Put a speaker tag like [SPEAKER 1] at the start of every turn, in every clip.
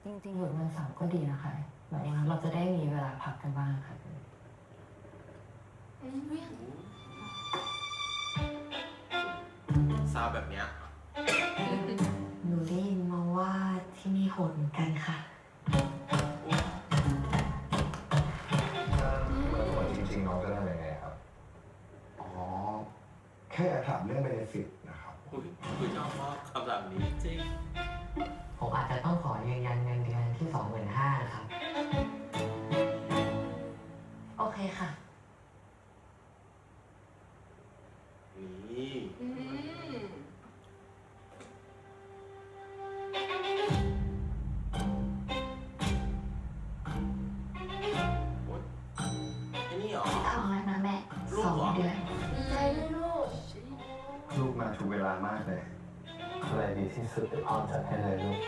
[SPEAKER 1] จริงๆหยุดวันเสาร์ก็ดีนะคะแบบว่าเราจะได้มีเวลาพักกันบ้างค่ะ
[SPEAKER 2] ซาวแบบเนี้ย
[SPEAKER 1] หนูได้ยินมาว่าที่นี่โหดเหมือนกันค่ะ
[SPEAKER 3] เมื่อวันจริงๆน้องจะได้ยังไงครับ อ๋อ แค่ถามเรื่องเบเนฟิตนะครับ
[SPEAKER 2] คุยชอบมากคำแบบนี้จริง
[SPEAKER 1] ผมอาจจะต้องขอยืนยันเงินเดือนที่ 25,000 ครับ โอเคค่ะ
[SPEAKER 2] นี่โอ๊ยไอ้นี่เหรอ
[SPEAKER 1] ท้องแล้วนะแม่
[SPEAKER 2] ลูกเหรอ
[SPEAKER 1] 2 เดือน
[SPEAKER 4] ใจเลยลูก
[SPEAKER 3] ลูกมาถูกเวลามากเลย อะไรดีที่สุดเดี๋ยวพ่อจัดให้เลยลูก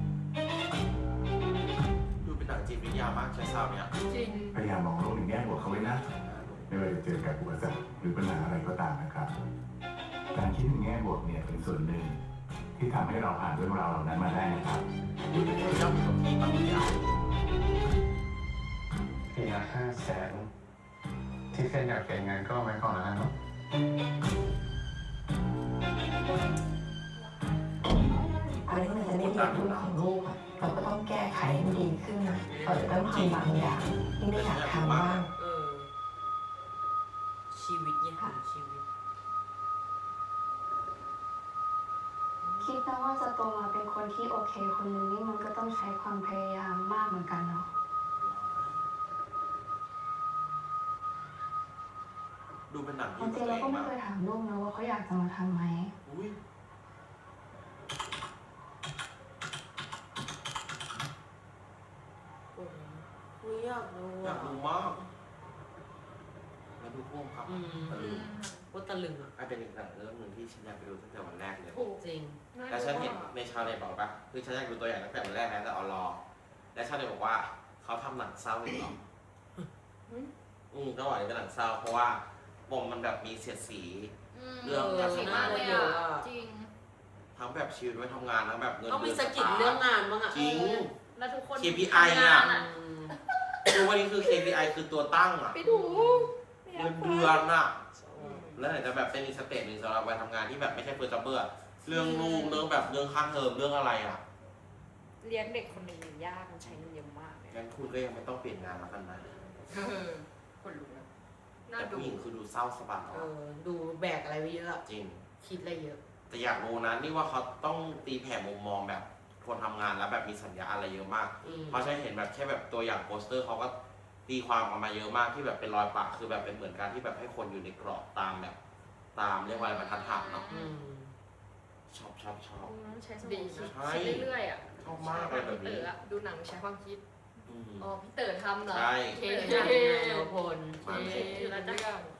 [SPEAKER 2] ดูเป็นหนังจิตวิทยามากใช้ซาวเนี่ย
[SPEAKER 4] จริง
[SPEAKER 5] พยายามมองโลกในแง่บวกเขาไว้นะ ไม่ว่าจะเจอกับอุปสรรคหรือปัญหาอะไรก็ตามนะครับ การคิดในแง่บวกเนี่ยเป็นส่วนหนึ่งที่ทำให้เราผ่านเรื่องราวเหล่านั้นมาได้นะครับ
[SPEAKER 2] ดูเป็นคนชอบอยู่กับพี่บางอย่าง
[SPEAKER 3] ปีละ500,000ที่เคนอยากเก็บเงินก็เอาไว้ก่อนแล้วกันเนาะ
[SPEAKER 1] อะไรที่มันจะไม่ดีกับลูกของลูกอะเราก็ต้องแก้ไขให้มันดีขึ้นนะเราจะต้องทำบางอย่างที่ไม่อยากทำบ้าง
[SPEAKER 4] ชีวิตยังถึงชีวิต
[SPEAKER 6] คิดนะว่าจะโตมาเป็นคนที่โอเคคนหนึ่งนี่มันก็ต้องใช้ความพยายามมากเหมือนกันเนาะ
[SPEAKER 2] ดูเป็นหนัง
[SPEAKER 6] ค
[SPEAKER 2] ที่
[SPEAKER 6] วามจริงเราก็ไม่เคยถามลูกนะว่าเขาอยากจะมาทำไหม
[SPEAKER 2] อุ้ย
[SPEAKER 4] อุ้ยอยากดู
[SPEAKER 2] อยากดูมากแล้วดูพ่วงครับตะลึง
[SPEAKER 4] ว่าตะลึงอ่ะ
[SPEAKER 2] ไอ้เป็นอีกหนังเรื่องหนึ่งที่ฉันอยากไปดูตั้งแต่วันแรกเลย
[SPEAKER 4] จริง
[SPEAKER 2] แต่ฉันเห็นในชาวเน็ตบอกปะคือฉันอยากดูตัวอย่างตั้งแต่วันแรกแล้วแต่เอารอ และชาวเน็ตบอกว่าเขาทำหนังเศร้าอีกเหรอก็ว่าเป็นหนังเศร้าเพราะว่าบมมันแบบมีเสียดสี เรื่องการทำงาน
[SPEAKER 4] เยอะอะ
[SPEAKER 7] จริง
[SPEAKER 2] ทั้งแบบชีวิตไว้ทำงานทั้งแบบเงิน
[SPEAKER 4] ต้องมี
[SPEAKER 2] เดือน
[SPEAKER 4] สกิลเรื่องงานบ้างอ่ะ
[SPEAKER 2] จริง
[SPEAKER 7] แล้วทุกคน
[SPEAKER 2] KPI
[SPEAKER 7] ทำงาน
[SPEAKER 2] คือวันนี้คือ KPI คือตัวตั้งอ่ะ
[SPEAKER 7] ไปดู
[SPEAKER 2] เงินเดือนอ่ะ แล้วไหนจะแบบเป็นอีกสเต็ปหนึ่งสำหรับวัยทำงานที่แบบไม่ใช่เฟิร์สจ็อบเบอร์เรื่องลูกเรื่องแบบเรื่องค่าเทอมเรื่องอะไรอ่ะ
[SPEAKER 7] เลี้ยงเด็กคนหนึ่งมันยากมันใช้เงินเยอะมากเลย
[SPEAKER 2] งั้นคุณก็ยังไม่ต้องเปลี่ยนงานแล้วกันนะ
[SPEAKER 7] คนรู้นะ
[SPEAKER 2] แต่ผู้หญิงคือดูเศร้าสบาย
[SPEAKER 4] ดูแบกอะไรไว้เยอะ
[SPEAKER 2] จริง
[SPEAKER 4] คิดอะไรเยอะ
[SPEAKER 2] แต่อยากรู้นะนี่ว่าเขาต้องตีแผ่มุมมองแบบคนทำงานแล้วแบบมีสัญญาอะไรเยอะมาก เพราะฉันเห็นแบบแค่แบบตัวอย่างโปสเตอร์เขาก็ตีความออกมาเยอะมากที่แบบเป็นรอยปะคือแบบเป็นเหมือนการที่แบบให้คนอยู่ในกรอบตามแบบตามเรียกว่าอะไรบรรทัดฐานเนาะชอบ
[SPEAKER 7] ใช้สมองคิดเรื่อยๆอ่ะ
[SPEAKER 2] ชอบมากเลยแบบนี้
[SPEAKER 7] ดูหนังใช้ความคิด
[SPEAKER 2] อืม
[SPEAKER 7] อ๋อพี่เต๋อทำเหรอ
[SPEAKER 2] ใช่
[SPEAKER 7] เค
[SPEAKER 4] เป็น
[SPEAKER 7] เค
[SPEAKER 4] งานแนวพล
[SPEAKER 2] มัน
[SPEAKER 7] แล้วจะ